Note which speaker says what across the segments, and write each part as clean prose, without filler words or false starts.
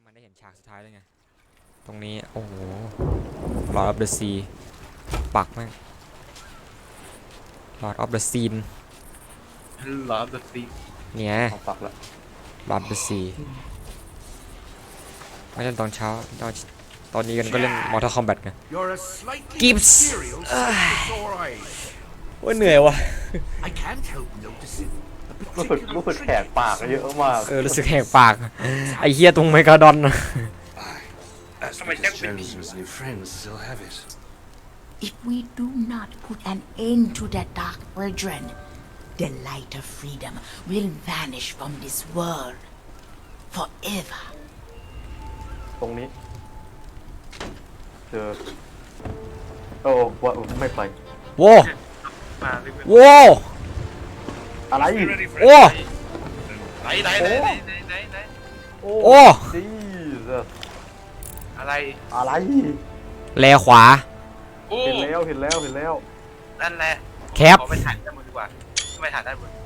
Speaker 1: มันได้เห็นฉากสุดท้ายแล้วไงตรงนี้โอ้โห Lord of the Sea ปักแม่ง Lord of the Scene
Speaker 2: Lord of the Sea
Speaker 1: เนี่ย
Speaker 2: เอาปักละ
Speaker 1: Lord of the Sea ไม่เล่นตอนเช้าตอนนี้กันก็เล่น Mortal Kombat ไง Gibbs ว่าเหนื่อยวะ
Speaker 2: รู้สึกแขกปากเยอะมาก
Speaker 1: รู้สึกแหกปากไอ้เหี้ยตรงไมกาดอนนะ
Speaker 3: If we do not put an end to that dark brethren, the light of freedom will vanish from this world forever.
Speaker 2: ตรงนี้เจอโอ้ว่าไม่ไป
Speaker 1: โว้โว้
Speaker 2: อะไร
Speaker 1: โอ้
Speaker 4: ไหน
Speaker 2: โอ้
Speaker 1: โอ้
Speaker 2: จีส
Speaker 4: อะไร
Speaker 2: อะไร
Speaker 1: แลขวา
Speaker 4: โอ้
Speaker 2: เห็นแล้ว
Speaker 4: นั่นแหละ
Speaker 1: แคป
Speaker 4: ขอไปถ่ายด้านบนดีกว่าไม่ถ่ายด้านบน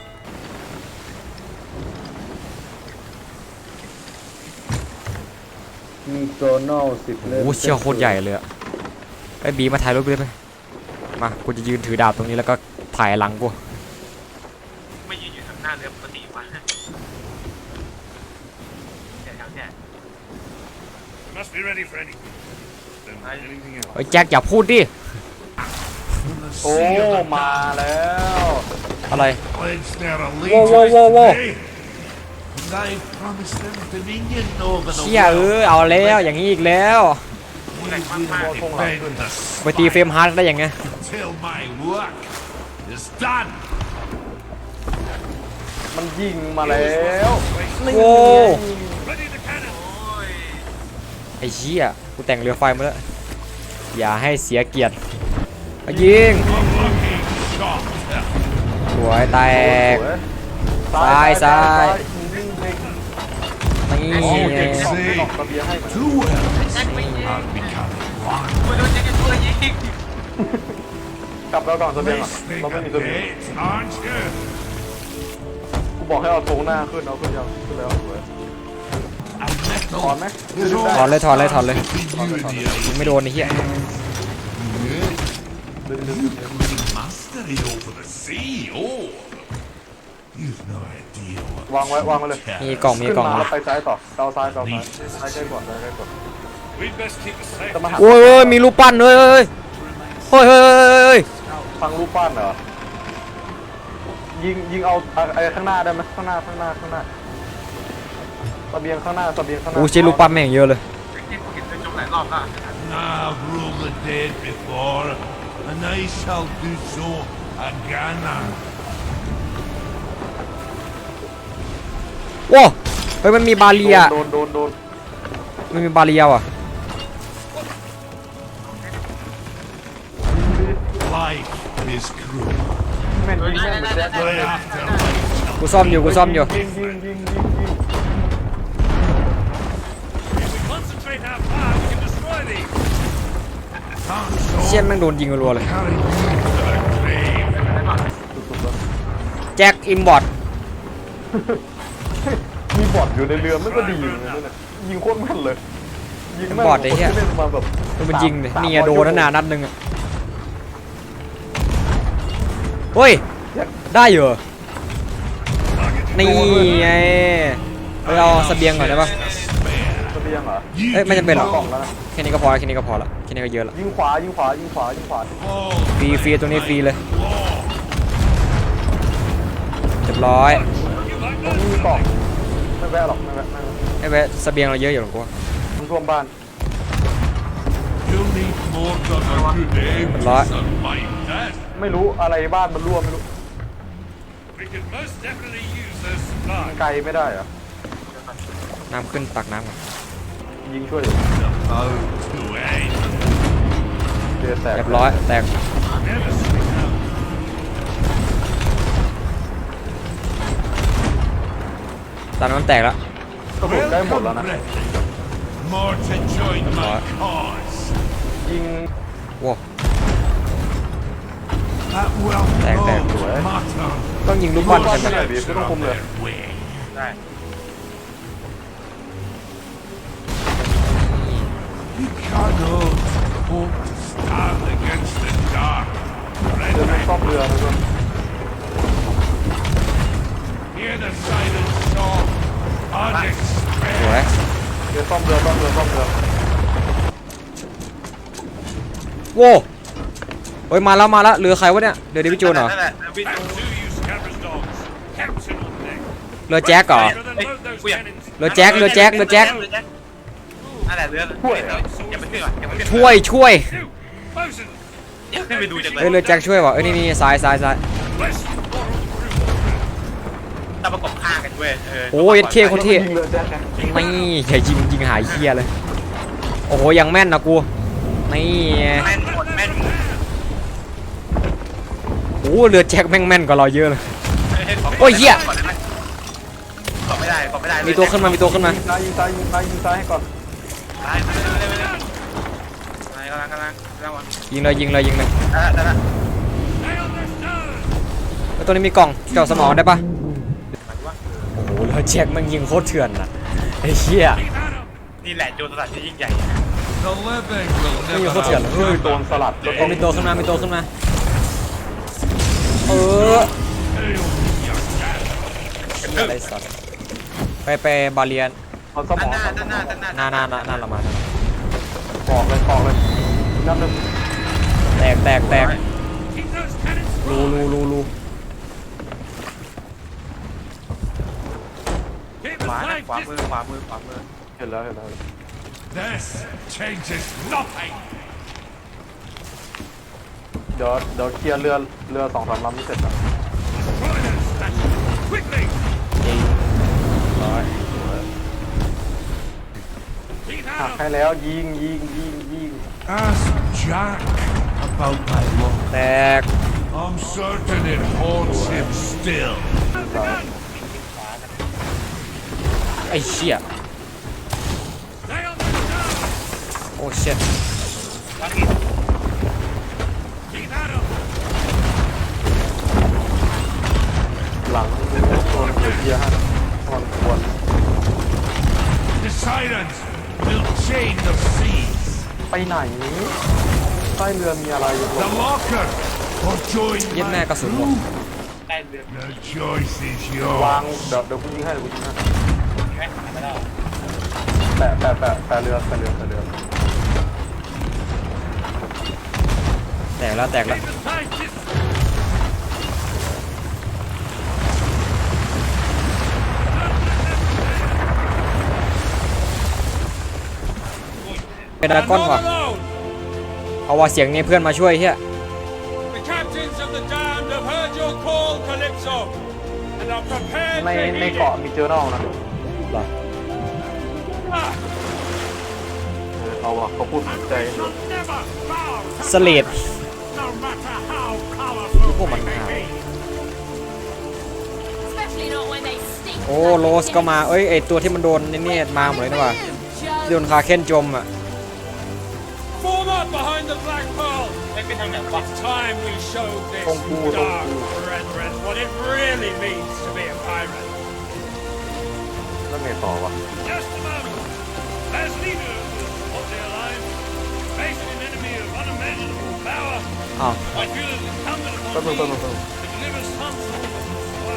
Speaker 2: มีโซโน่10 เล่ม
Speaker 1: โอ้เชี่ยวโคตรใหญ่เลยอะไอ้บีมาถ่ายรูปด้วยไหมมากูจะยืนถือดาบตรงนี้แล้วก็ถ่ายหลังกู
Speaker 4: ไม่ยืนอยู่ทางหน้าเรือปกติวะเนี่ย
Speaker 5: Must be ready for anything. Then anything else.
Speaker 1: ไอ้แจ็คอย่าพูดดิ
Speaker 2: โอ้มาแล้ว
Speaker 1: อะไร
Speaker 5: Pledge their
Speaker 1: Whoa, whoa, whoa, whoa.
Speaker 5: allegiance today. And I promised them dominion over the
Speaker 1: เชี่ย
Speaker 5: world.
Speaker 1: เอาแล้วอย่างนี้อีกแล้ว
Speaker 5: We will defend the
Speaker 1: ไปตีเฟรมฮาร์ดได้ยังไง
Speaker 5: till my work is done.
Speaker 2: มันยิงมาแล้ว
Speaker 1: โว้
Speaker 5: Ready the cannon.
Speaker 1: ไอ้เชี่ยกูแต่งเรือไฟมาแล้วอย่าให้เสียเกียรติมายิง
Speaker 5: Unlucky shot.
Speaker 1: สวยแตก
Speaker 2: ซ้าย
Speaker 1: นี่
Speaker 2: โอ้
Speaker 1: ไง
Speaker 2: เก่งสองไม่หลอกระเบียงให้
Speaker 5: Two worlds are becoming one.
Speaker 4: ไม่โดนยิงกันตัวยิง
Speaker 2: กลับแล้วก่อนระเบียงก่อน
Speaker 5: Let's make
Speaker 2: เราไม่
Speaker 5: a
Speaker 2: มีระเบียง
Speaker 5: bet, aren't you?
Speaker 2: กูบอกให้เอาโถงหน้าขึ้นเอาขึ้นยังขึ้นแล้วสวย
Speaker 5: A metal
Speaker 2: ถอนไหม
Speaker 5: is
Speaker 1: ถอนเลยถอนเลยถอนเลย
Speaker 5: between you, dear.
Speaker 1: ไม่โดนไอ้เหี้ย
Speaker 5: Mastery over the sea. Oh, you've no idea what
Speaker 2: วางไว้เลย
Speaker 1: มีกล่องมี
Speaker 2: ขึ้น
Speaker 1: กล่อง
Speaker 2: มาแล้วไปซ้ายต่อเกาซ้ายซ้ายใกล้ก่อน
Speaker 5: we'd best keep a safe.
Speaker 2: จะมาหัก
Speaker 1: โอ้ยมีรูปปั้นเฮ้ยเฮ้ยเฮ้ย
Speaker 2: ฟังรูปปั้นเหรอยิงเอาไอ้ข้างหน้าได้ไหมข้างหน้าระเบียงข้างหน้า
Speaker 1: โอ้ใช่รูปปั้นแม่งเยอะเลย
Speaker 4: ที่กูเห็นในจงหลายรอบแล้ว
Speaker 5: I've ruled the dead before, and I shall do so again.
Speaker 1: ว้าเฮ้ยมันมีบาเรีย
Speaker 2: โดน
Speaker 1: มันมีบาเรียว่ะ
Speaker 5: Life is cruel.
Speaker 2: แม่นยิงเหมือนแจ็คเลย
Speaker 5: The afterlife
Speaker 1: กูซ่อมอยู่ยิง
Speaker 2: ยิง
Speaker 5: If we concentrate our power, we can destroy these.
Speaker 1: เชี่ยแม่งโดนยิงรัวๆเลย
Speaker 5: Carry you to the grave.
Speaker 1: แจ็คอิมบอร์ต
Speaker 2: มีบอดอยู่ในเรือมันก็ดีอยู่นั่นแหละยิงโคตรแม่นเลยยิงแม่น
Speaker 1: บอดไอ้เหี้ย
Speaker 2: คนที่เล่นมาแบบ
Speaker 1: มันยิงเลยนี่ไงโดนนัดนึงอ่ะเฮ้ยได้เหรอนี่ไงเราเสบียงก่อนได้ปะ
Speaker 2: ระเบียงเหรอ
Speaker 1: เอ้ยไม่จำเป็นหรอก
Speaker 2: กล่องแล้วนะ
Speaker 1: แค่นี้ก็พอแล้วแค่นี้ก็พอละแค่นี้ก็เยอะละ
Speaker 2: ยิงขวา
Speaker 1: ฟรีตรงนี้ฟรีเลยเรียบร้อย
Speaker 2: ตรงนี้มีกล่องไม่แวะหรอกไม่แวะ
Speaker 1: ไอ้แวะเสบียงเราเยอะอยู่หรอกกูว่า
Speaker 2: มันท่วมบ้าน
Speaker 5: You'll need more cover today,
Speaker 1: Right.
Speaker 5: son, mind that.
Speaker 2: ไม่รู้อะไรบ้านมันรั่วไม่รู้
Speaker 5: We could most definitely use those supplies.
Speaker 2: ไกลไม่ได้เหรอ
Speaker 1: น้ำขึ้นตักน้ำก่อน
Speaker 2: ยิงช่วยอยู่
Speaker 5: Oh, to end.
Speaker 2: เดือดแตก
Speaker 1: เรียบร้อยแตก
Speaker 5: Never sleep out.
Speaker 1: ตอนนั้นมันแตกแล้ว
Speaker 2: กระสุนใกล้หมดแล้วนะ
Speaker 5: More to join my cause.
Speaker 2: ยิง
Speaker 1: ว้า
Speaker 5: That will
Speaker 1: Thank you.
Speaker 5: not matter.
Speaker 1: ต้องยิงลูกบอลใช่ไหม
Speaker 2: ไม่ได้บีไม่ต้องคุมเลย
Speaker 5: Way.
Speaker 4: ได้
Speaker 5: We cannot hope to stand against the dark.
Speaker 2: เรือมันซ่อมเรือนะทุกคน
Speaker 5: Hear the silent song.
Speaker 1: สวย
Speaker 5: Unexpected.
Speaker 2: เรือซ่อมเรือซ่อมเรือซ่อมเรือ
Speaker 1: โว้เฮ้ยมาแล้วเรือใครวะเนี่ยเรือเดวิดโจนเหรอ
Speaker 4: นั่นแหละวิด
Speaker 5: Back to you, scabbers dogs. Captain on deck.
Speaker 1: เรือแจ็คเหรอ
Speaker 5: Rather than load those cannons.
Speaker 1: เรือแจ็ค
Speaker 4: นั่นแหละเรืออย่าไปขึ้นก่อนอย่าไปขึ้น
Speaker 1: ช่วย
Speaker 5: You, Bosun.
Speaker 4: อย่าขึ้นไปดูจังเล
Speaker 1: เฮ้ย
Speaker 4: ย
Speaker 1: เรือแจ็คช่วยว่ะเอ้ยนี่ซ้าย
Speaker 5: Bless you, moral crew.
Speaker 4: ต้องประกบข้างกันเว้ย
Speaker 1: โอ้ยเท่คนเท่
Speaker 2: ยิงเรือแจ็คไง
Speaker 1: นี่อย่ายิงหายเคียเลยโอ้โหยังแม่นนะกูนี่
Speaker 4: แม่นหมดแม่นหมด
Speaker 1: โอ้เรือแจ็คแม่นกว่าเราเยอะเลย โอ้ยเหี้ย
Speaker 4: กดไม่ได้
Speaker 1: มีตัวขึ้นมา
Speaker 2: ยิงซ้ายยิงซ้ายให้ก่อน
Speaker 4: ตายกำลังวะ
Speaker 1: ยิงเลย
Speaker 4: ได้ละ
Speaker 5: Nail this down.
Speaker 1: แล้วตัวนี้มีกล่องเจาะสมองได้ปะโอ้โหเรือแจ็คมันยิงโคตรเถื่อนนะไอ้เหี้ย
Speaker 5: Keep at 'em.
Speaker 4: นี่แหละโจรสลัดที่ยิ่งใหญ่
Speaker 5: The living will
Speaker 1: ไม่ยิง
Speaker 5: never
Speaker 1: โคตรเถื่อนเลย
Speaker 2: เฮ้ยโดนสลัดแล้ว
Speaker 1: เอ้ยมีตัวขึ้นมาเอออะไรสัตว์ไปบาเลียน
Speaker 2: เอาสม
Speaker 4: ด้า
Speaker 2: อน ง
Speaker 4: หน้า
Speaker 1: หน้าเรามา
Speaker 2: ปอกเลยนับหนึ่ง
Speaker 1: แตก
Speaker 5: Keep those cannons
Speaker 1: รู
Speaker 5: Keep
Speaker 4: ขวา
Speaker 5: the
Speaker 4: นะ
Speaker 5: flag
Speaker 4: ขวามือ
Speaker 5: dis-
Speaker 2: เห็นแล้ว
Speaker 5: This changes nothing.
Speaker 2: เดี๋ยวเคลียร์เรือ2-3ลำนี่เสร็จแล้ว
Speaker 5: Destroy those statues. Quickly. Keep
Speaker 2: หัก
Speaker 5: at
Speaker 2: ให้
Speaker 5: 'em.
Speaker 2: แล้วยิง
Speaker 5: Ask Jack about my luck.
Speaker 1: แตก
Speaker 5: I'm certain it haunts him still.
Speaker 1: ไอ้เชี่ย
Speaker 5: Stay on the ground.
Speaker 1: โอ้เชี่ย
Speaker 5: Keep at 'em.
Speaker 2: หลังโดนเคลียร์ให้มันควร
Speaker 5: The sirens will chain the seas.
Speaker 2: ไปไหนใต้เรือมีอะไรอยู่
Speaker 5: The locker or join
Speaker 1: เย็ดแม่
Speaker 5: my
Speaker 1: กระสุนหมด
Speaker 4: ได้เรือ
Speaker 5: The choice is
Speaker 2: วาง
Speaker 5: yours.
Speaker 2: เดี๋ยวกูยิงให้แปะเรือ
Speaker 1: แตกแล้ว
Speaker 5: Keep the tide dis-
Speaker 1: เป็นดราก้อน
Speaker 6: I'm
Speaker 1: ว่ะ
Speaker 6: not alone.
Speaker 1: เอาว่าเสียงนี้เพื่อนมาช่วยเฮีย
Speaker 6: The captains of the damned have heard your call, Calypso, and are prepared
Speaker 2: ใน
Speaker 6: to heed
Speaker 2: เกาะมีเจอร์นอลนะ
Speaker 1: เหรอ
Speaker 6: it. Ah,
Speaker 2: เอาวะเขาพูดใจ
Speaker 5: shall never bow to
Speaker 1: สเลด
Speaker 5: no matter how powerful
Speaker 1: พวกมัน
Speaker 5: they
Speaker 1: หา
Speaker 5: may be.
Speaker 7: Especially not when they stink.
Speaker 1: โอ้โรสก็มาเอ้ยไอตัวที่มันโดนนี่มาหมดเลยนี่ว่ะโดนคาเคนจมอ่ะ
Speaker 6: form up behind the Black Pearl.
Speaker 4: ไม่เป็นทางไหนวะ
Speaker 6: It's time we showed this
Speaker 2: Don't move, don't
Speaker 6: dark
Speaker 2: move.
Speaker 6: brethren what it really means to be a pirate.
Speaker 2: แล้วไงต่อวะ
Speaker 5: Just a moment. As leader of the alliance, facing an enemy of unimaginable power,
Speaker 1: อ้าว
Speaker 5: I feel it incumbent
Speaker 2: แป๊บ
Speaker 5: upon
Speaker 2: นึง
Speaker 5: me to deliver some sort of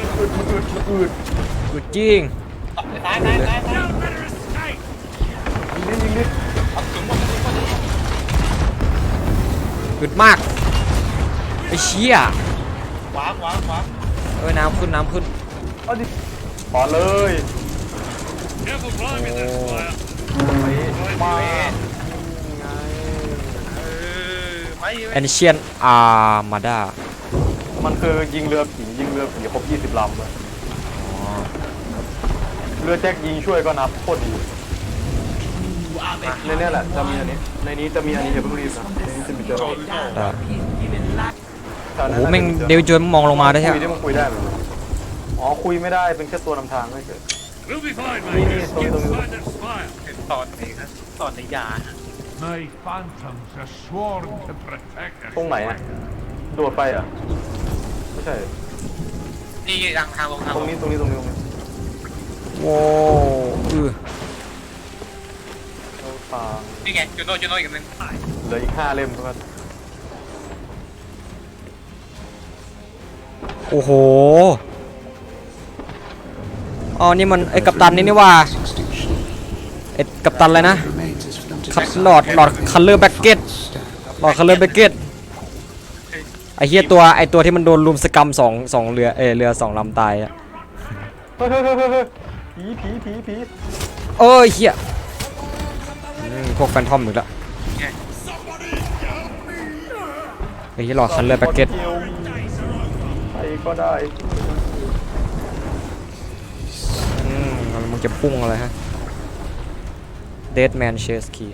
Speaker 1: กูจริง
Speaker 4: ซ้าย
Speaker 5: no better escape.
Speaker 2: ยิงดิ
Speaker 1: อึดมากไอ้เชี่ย
Speaker 4: ขวา
Speaker 1: เอ้ยน้ำขึ้น
Speaker 2: เอาดิขอเลย
Speaker 5: Careful climbing that spire.
Speaker 2: มาไง
Speaker 4: ไม่
Speaker 1: แอนเชียนอาร์มาดา
Speaker 2: มันคือยิงเรือผีครบ20 ลำเลยเรือแจ็คยิงช่วยก็นับโคตรดีในนี้แหละจะมีอันนี้ในนี้จะมีอันนี้อย่าเพิ่งรีบนะในนี้จะมีเจอร์
Speaker 1: โอ้โหแม่งเดวิดโจนส์มองลงมาได้ใช่
Speaker 2: คุยได้มันคุยได้ไหมอ๋อคุยไม่ได้เป็นแค่ตัวนำทางไม่เฉย
Speaker 5: We'll be fine,
Speaker 2: Nee,
Speaker 5: mate.
Speaker 2: nee,
Speaker 5: Just
Speaker 2: sorry,
Speaker 5: get
Speaker 2: sorry.
Speaker 5: inside that spire.
Speaker 4: ตอนไหนครับตอนในยา
Speaker 5: My phantoms are sworn to protect us.
Speaker 2: ตรงไหนอ่ะโดดไปอ่ะไม่ใช่
Speaker 4: นี่ทางลง
Speaker 2: ตรงนี้
Speaker 1: โว้
Speaker 2: โอเค
Speaker 4: นี่ไงจูโน่อีกอันหนึง
Speaker 2: เหลืออีก5 เล่มเท่านั้น
Speaker 1: โอ้โหอ๋อนี่มันไอ้กัปตันนี่ว่าไอ้กัปตันอะไรนะคัดหลอดคัลเลอร์แบ็กเก็ตหลอดคัลเลอร์แบ็กเก็ตไอ้เหี้ยตัวที่มันโดนลุมสกรรมสองเรือ2 ลำตายอะ
Speaker 2: เฮ้ยผี
Speaker 1: เอ้ยเหี้ยพวกแฟนทอมอีกแล้วไอ้เหี้ยหลอดคัลเลอร์แบ็กเก็ต
Speaker 2: ใครก็ได้
Speaker 1: มึงจะพุ่งอะไรฮะ Dead Man Chase Key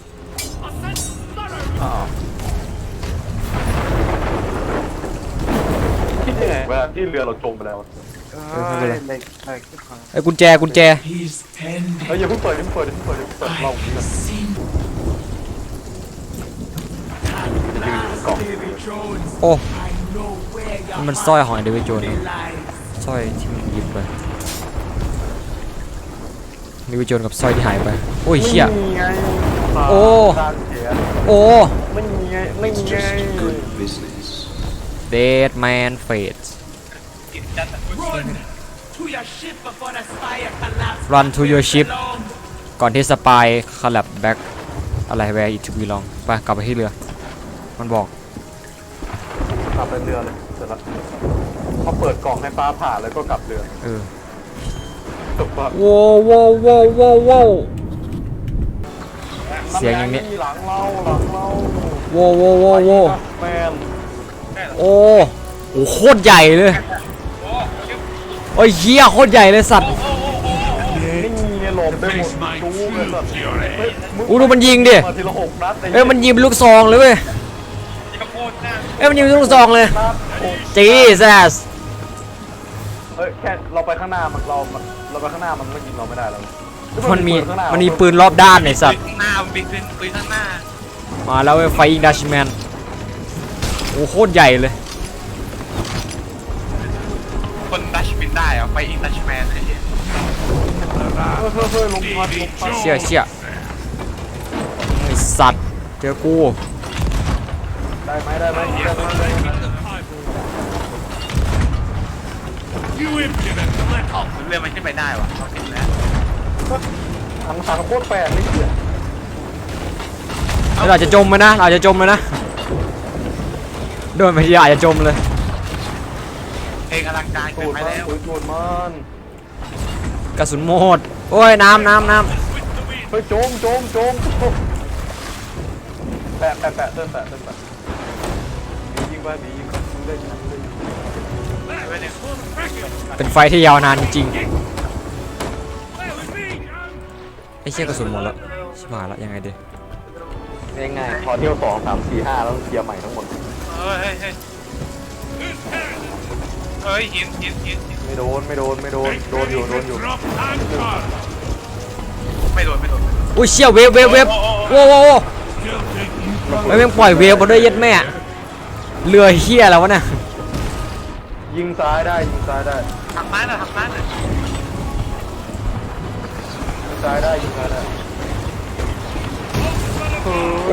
Speaker 2: คิดยังไงเวลาที่เรือเราจมไปแล้ว
Speaker 1: ไอ้กุญแจ
Speaker 2: เฮ้ยอย่าเพิ่งเปิดเราจะยืนกล่อง
Speaker 1: โอ้มันสร้อยของไอเดวิดโจนส์สร้อยที่มันหยิบไปเดวิดโจนส์กับสร้อยที่หายไปโอ้ยเชี่ย
Speaker 2: ไม่มีไง
Speaker 1: โอ้
Speaker 2: ตาเสีย
Speaker 1: โอ้
Speaker 2: ไม่มีไง
Speaker 1: Dead Man Fate Run to your ship ก่อนที่สปายคอลแลบแบ็กอะไร Where it to belong ไปกลับไปที่เรือมันบอก
Speaker 2: กลับไปเรือเลยเสร็จแล้วพอเปิดกล่องให้ฟ้าผ่าแล้วก็กลับเรือ จบปะ
Speaker 1: โว้เสียงอย่างนี้
Speaker 2: หลังเรา
Speaker 1: โว้
Speaker 2: แมน
Speaker 1: โอ้โหโคตรใหญ่เลยโอ้ยเหี้ยโคตรใหญ่เลยสัตว์
Speaker 2: นี่ไงหลบไปหมดจู้เลยสัตว์
Speaker 1: อู้ดูมันยิงดิ
Speaker 2: มาทีละ6 นัด
Speaker 1: เอ้ยมันยิงเป็นลูกซองเลยเว้ยเอ้ยมันยิงเป็นลูกซองเลยจีซัส
Speaker 2: เฮ้ยแค่เราไปข้างหน้าเราไปข้างหน้ามันไม่ยิงเราไม่ได้แล้ว
Speaker 1: มันมีปืนรอบด้านไอ้สัตว์
Speaker 4: ข้างหน้ามันบินขึ้นปืนข้างหน้า
Speaker 1: มาแล้วเว้ยไฟอิงดัชแมนโอ้โคตรใหญ่เลย
Speaker 4: คนดัชบินได้เหรอไปอิงดัชแมนไอ้เหี้ย
Speaker 2: เฮ้ยลงพัด
Speaker 1: เชี่ยไอ้สัตว์เจอกู
Speaker 2: ได้ไหม
Speaker 5: You impudent little
Speaker 4: เรือมันขึ้นไปได้วะเราติดแล้ว
Speaker 2: ถังโคตรแปลกเลยเนี่ย
Speaker 1: เราจะจมไหมนะเราจะจมไหมนะโดนไปทีอาจจะจมเลย
Speaker 4: เพลงอลังการ
Speaker 2: ตู
Speaker 4: เกิน
Speaker 2: ด
Speaker 4: ไป
Speaker 2: มัน
Speaker 4: แล้ว
Speaker 2: ตูดมัน
Speaker 1: กระสุนหมดโอ้ยน้ำ
Speaker 2: เฮ้ยโจมแปะเต้นแปะยิงไปยิงได้
Speaker 1: เป็นไฟที่ยาวนานจริงๆไอ้เชี่ยกระสุนหมดแล้วชิบหายแล้วยังไงดี
Speaker 2: ง่ายๆพอเที่ยว2 3 4 5แล้วเคลียร์ใหม่ทั้งหมด
Speaker 4: เฮ้ยหิน
Speaker 2: ไม่โดนอยู่
Speaker 5: drop anchor.
Speaker 4: ไม่โดน
Speaker 1: อุ้ยเชี่ยเวฟโว้ไม่แม่งปล่อยเวฟมาด้วยยัดแม่เรือเฮียแล้ววะเนี่ย
Speaker 2: ยิงซ้ายได้
Speaker 4: ทางซ้ายหน่อย
Speaker 2: ยิงซ้ายได้
Speaker 1: โอ้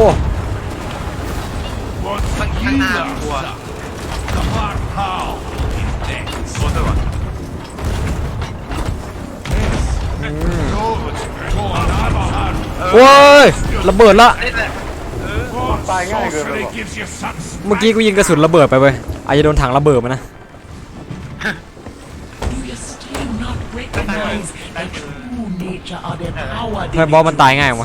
Speaker 4: ข้างหน้ากลัว
Speaker 5: The Mark How is dead.
Speaker 4: โดนด้วยวะ
Speaker 5: Go on, have a hand.
Speaker 1: โอ้ยระเบิดละ
Speaker 4: นี่แหละ
Speaker 2: ตายง่ายเกินไป
Speaker 5: Sorcery
Speaker 2: หรอ
Speaker 5: gives you such
Speaker 1: เมื่อกี้กูยิงกระสุนระเบิดไปเว้ยอาจจะโดนถังระเบิดมานะ
Speaker 3: Do you still not recognize the true nature of the power
Speaker 1: ทำไมบอสมันตายง่ายวะ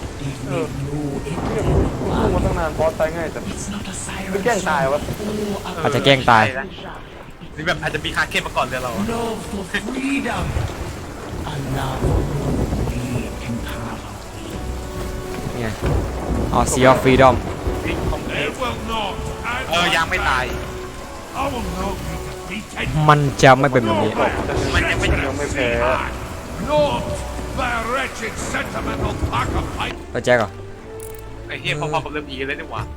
Speaker 2: พูดมาตั้งนานบอสตายง่ายแต่
Speaker 3: It's not a
Speaker 2: ไม่
Speaker 3: siren
Speaker 2: แกล้งตายวะ
Speaker 1: อาจจะแกล้งตาย
Speaker 4: นี่แบบอาจจะมีคาเคนมาก่อนเรือเรา
Speaker 3: love for freedom. A love only can carve out.
Speaker 1: นี่ไงอ๋อ Sea of Freedom
Speaker 5: It will not. And
Speaker 4: ยังไม่ตาย
Speaker 5: I will not be defeated.
Speaker 1: มันจะไม่เป็นแบบนี้
Speaker 4: มันยังไม่
Speaker 2: ยังไม่แพ้
Speaker 5: Not by a wretched sentimental pack of pipe.
Speaker 1: ไปแจ็คเหรอ
Speaker 4: ไอ้เหี้ยพอๆกับเรือผีเลยนี่หว่า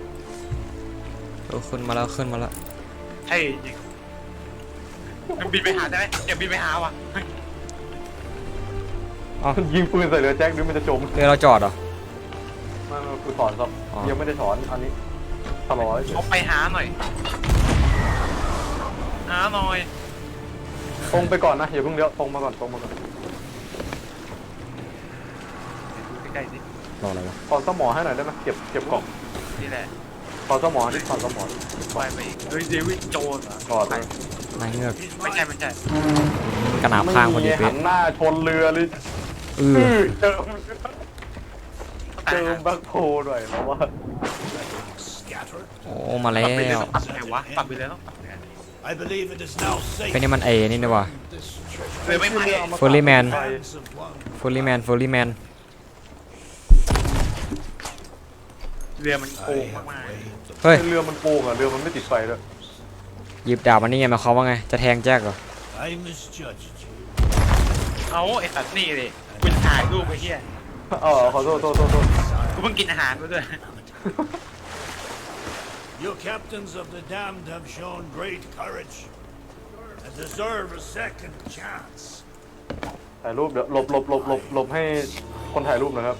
Speaker 1: ขึ้นมาแล้ว
Speaker 4: ใช่จริงมันบินไปหาได้ไหมอย่าบินไปหาว่ะ
Speaker 1: เอ
Speaker 2: ยิงปืนใส่เรือแจ็คหรือมันจะจม
Speaker 1: เรือเราจอดเหรอ
Speaker 2: ไม่กูถอนครับ
Speaker 1: อ๋อ
Speaker 2: ยังไม่ได้ถอนอันนี้ถลอย
Speaker 4: เอาไปหาหน่อยหาหน่อย
Speaker 2: ตรงไปก่อนนะอย่าเพิ่งเลี้ยวตรงมาก่อน
Speaker 4: ใกล้ๆสิ
Speaker 1: รออะไรวะ
Speaker 2: ถอนสมอให้หน่อยได้ไหมเก็บกล่อง
Speaker 4: นี่แหละ
Speaker 2: ถอนสมอดิถอนสมอ
Speaker 4: ไปอีกเฮ้ยเดวิดโจนส์เหรอ
Speaker 2: ก่อนเลย
Speaker 1: นายเงือก
Speaker 4: ไม่ใช่
Speaker 1: กระหนาบข้างพอดี
Speaker 2: หั
Speaker 1: เป๊ะ
Speaker 2: นหน้าชนเรือเลย
Speaker 1: เออ
Speaker 2: เจอแบ็คโฮหน่อยเพราะว่า
Speaker 1: โอ้มาแล้
Speaker 4: ปรับไปเลยว ต้องปรับไงวะ
Speaker 1: Dạ.
Speaker 4: ปรับไปเลยต้องปรับไง
Speaker 5: I believe it is now safe.
Speaker 1: เป็นนี่มันนี่นี่วะ
Speaker 4: เลยไม่ไป
Speaker 1: Fully man
Speaker 5: Hands of one.
Speaker 1: fully man
Speaker 4: เรือมันโกงมาก
Speaker 1: เฮ้ย
Speaker 2: เรือมันโกงอ่ะเรือมันไม่ติดไฟด้วย
Speaker 1: หยิบดาบมานี่ไงหมายความว่าไงจะแทงแจ็คเหรอ
Speaker 5: I misjudged you.
Speaker 4: ๆเอาไอ้สัตว์นี่เลยกูจะถ่ายรูปไอ้เหี้ย
Speaker 2: ขอโทษ
Speaker 4: กูเพิ่งกินอาหารมาด้วย
Speaker 5: You captains of the damned have shown great courage and deserve a second chance.
Speaker 2: ถ่ายรูปเดี๋ยวหลบให้คนถ่ายรูปหนะครับ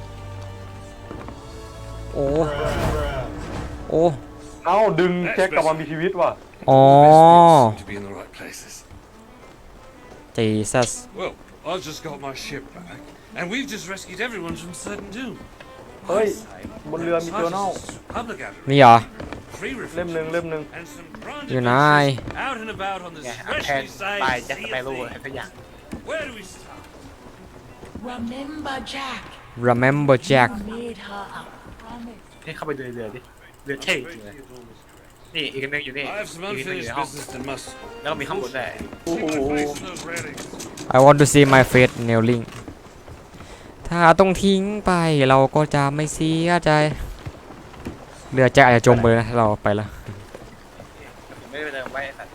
Speaker 1: โอ้โอ้
Speaker 2: เอ้าดึงแจ็คกลับมามีชีวิตว่ะ
Speaker 1: อ๋อ
Speaker 6: To be in the right places.
Speaker 1: Jesus
Speaker 6: Well, I've just got my ship back, and we've just rescued everyone from certain doom.
Speaker 2: เฮ้ยบนเรือมีเจอร์นัล
Speaker 6: Public outreach,
Speaker 1: นี่เหรอ
Speaker 6: free
Speaker 2: เล่ม
Speaker 6: refreshments,
Speaker 2: หนึ่ง
Speaker 6: and some grand
Speaker 1: อยู่ไหน
Speaker 6: adventures out and about on the
Speaker 4: ไงเอาแทน
Speaker 6: specially
Speaker 4: ตาย
Speaker 6: sized
Speaker 4: แจ็คส
Speaker 6: sea
Speaker 4: เป
Speaker 6: of
Speaker 4: โร่อะไร
Speaker 6: thieves.
Speaker 4: สักอย่าง
Speaker 5: Where do we start?
Speaker 3: Remember, Jack,
Speaker 1: Remember Jack
Speaker 3: made her a promise.
Speaker 4: นี่เข้าไปดูในเรือดิเรือเท่จริงเลยนี่อีกอันหนึงอยู่นี่
Speaker 6: I have some
Speaker 4: อีกอันหนึงอยู่
Speaker 6: unfinished
Speaker 4: ในห้อง
Speaker 6: business that must
Speaker 4: แล้วก็มีข้างบนด้วย
Speaker 6: take place in those railings.
Speaker 1: I want to see my face kneeling ถ้าต้องทิ้งไปเราก็จะไม่เสียใจเรือแจ็คอาจจะจมไปเลยนะถ้าเราไปแล้ว
Speaker 4: ไม่ได้ไปเติมไว้ไอ้สัตว์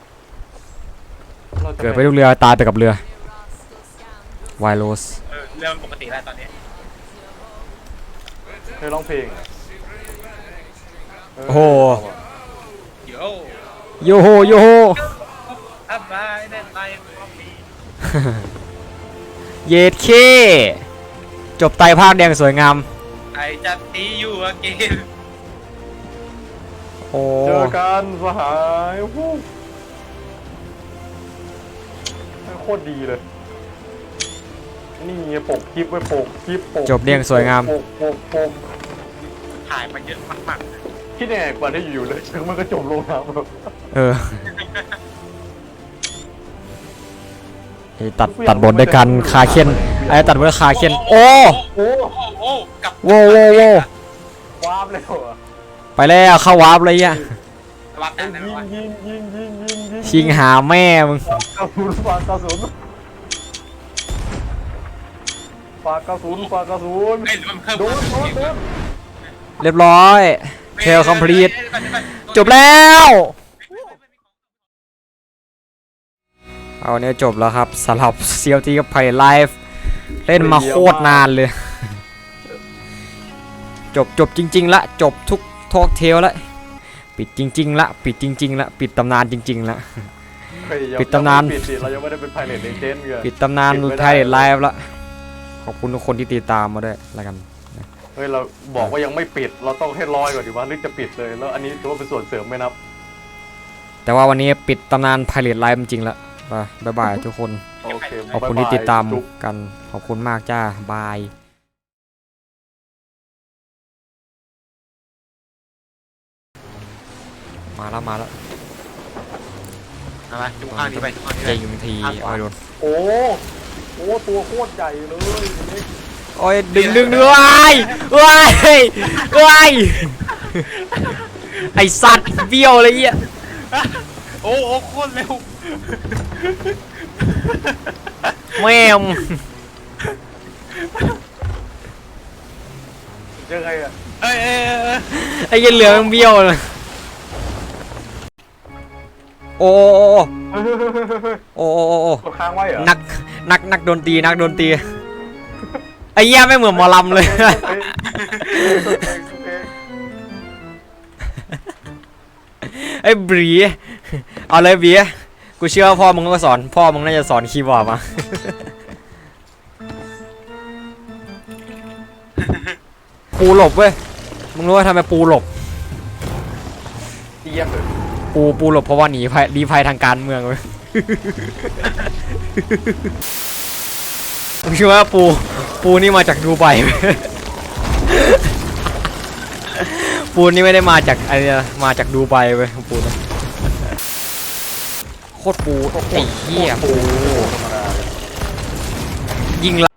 Speaker 2: เราจะ
Speaker 1: เกิดไปลูกเรือตายไปกับเรือไวโรส
Speaker 4: เรือมันปกติแล้วตอนนี้
Speaker 2: เคยร้องเพลง
Speaker 1: โอ้โห
Speaker 4: โย่
Speaker 1: โยโฮโยโฮ
Speaker 4: อัพไลน์เล่นไลน์คอมมี
Speaker 1: เยดเคจบไตรภาคแดงสวยงาม
Speaker 4: ไอจัดตีอยู่อะเกม
Speaker 1: โอ้
Speaker 2: เจอกันสหายวู้โคตรดีเลยนี่ปกคลิปไว้ปกคลิปปก
Speaker 1: จบเรียงสวยงาม
Speaker 2: ปก
Speaker 4: ถ่ายมาเยอะมากๆเลย
Speaker 2: คิดยังไงกว่าที่อยู่ๆเลยถึงมันก็จมลงน้ำแบบ
Speaker 1: เออไอ้ตัดบทด้วยกันคาเคนไอ้ตัดบทด้วยคาเคนโอ้
Speaker 2: โอ้
Speaker 4: โอ้กับ
Speaker 1: โว้โว้โว้
Speaker 2: วาบเลยเหรอ
Speaker 1: ไปแล้วเข้าวาร์ปเลยอ่ะ
Speaker 4: รับได้ไหมวะ
Speaker 2: ยิง
Speaker 1: ชิงหาแม่มึง
Speaker 2: กระสุนฝากกระสุนฝากกระสุนฝากกระสุน
Speaker 4: ไอ้ยมันเพิ่ม
Speaker 2: โดน
Speaker 1: เรียบร้อยเทลคอมพลีทจบแล้วเอาเนี่ยจบแล้วครับสำหรับ CLT กับไพ่ไลฟ์เล่นมาโคตรนานเลย จบจริงๆละจบทุกทอล์กเทลละปิดจริงๆละปิดจริงๆละปิดตำนานจริงๆละ ปิดตำนาน
Speaker 2: ปิดดิเรายังไม่ได้เป็นไพเรตเลเจนด์เลย
Speaker 1: ปิดตำนานไทยไลฟ์ละขอบคุณทุกคนที่ติดตามมาด้วยแล้วกัน
Speaker 2: เฮ้ยเราบอกว่ายังไม่ปิดเราต้องให้ร้อยก่อนดีว่าหรือจะปิดเลยแล้วอันนี้ถือว่าเป็นส่วนเสริมไหมนับ
Speaker 1: แต่ว่าวันนี้ปิดตำนานไพเรตไลฟ์จริงๆละบ๊ายบายทุกคน
Speaker 2: โอเค
Speaker 1: ขอบคุณที่ติดตามกันขอบคุณมากจ้าบายมาแล้ว
Speaker 4: มาจุกข้างนี้ไปจุกข้างนี้
Speaker 1: เจ
Speaker 4: ไป
Speaker 1: ยุงทีโอ้ยโดน
Speaker 2: โอ้ตัวโคตรใหญ่เลยนี่
Speaker 1: โอ้ยดึงว้ายไอสัตว์เบี้ยวเลยอ่ะ
Speaker 4: โอ้โคตรเร็ว
Speaker 1: แม่ม
Speaker 2: เจอใครอ่ะ
Speaker 1: ไอ้ยันเหลือมันเบี้ยวเลยโอ้
Speaker 2: กดค้างไว้เหรอ
Speaker 1: นักดนตรีไอ้เหี้ยไม่เหมือนหมอลำเลย ไอ้บรีเอาเลยบีกูเชื่อว่าพ่อมึงก็สอนพ่อมึงน่าจะสอนคีย์บอร์ดมาปูหลบเว้ยมึงรู้ว่าทำไมปูหลบ
Speaker 2: เยี่ยมเลย
Speaker 1: ปูหลบเพราะว่าหนีภัยทางการเมืองเว้ย ผมเชื่อว่าปูนี่มาจากดูไบเว้ย ปูนี่ไม่ได้มาจากอะไรนะมาจากดูไบเว้ยปูนะโคตรปูไอ้เหี้ย
Speaker 2: ปูธรรมดาเลย
Speaker 1: ยิง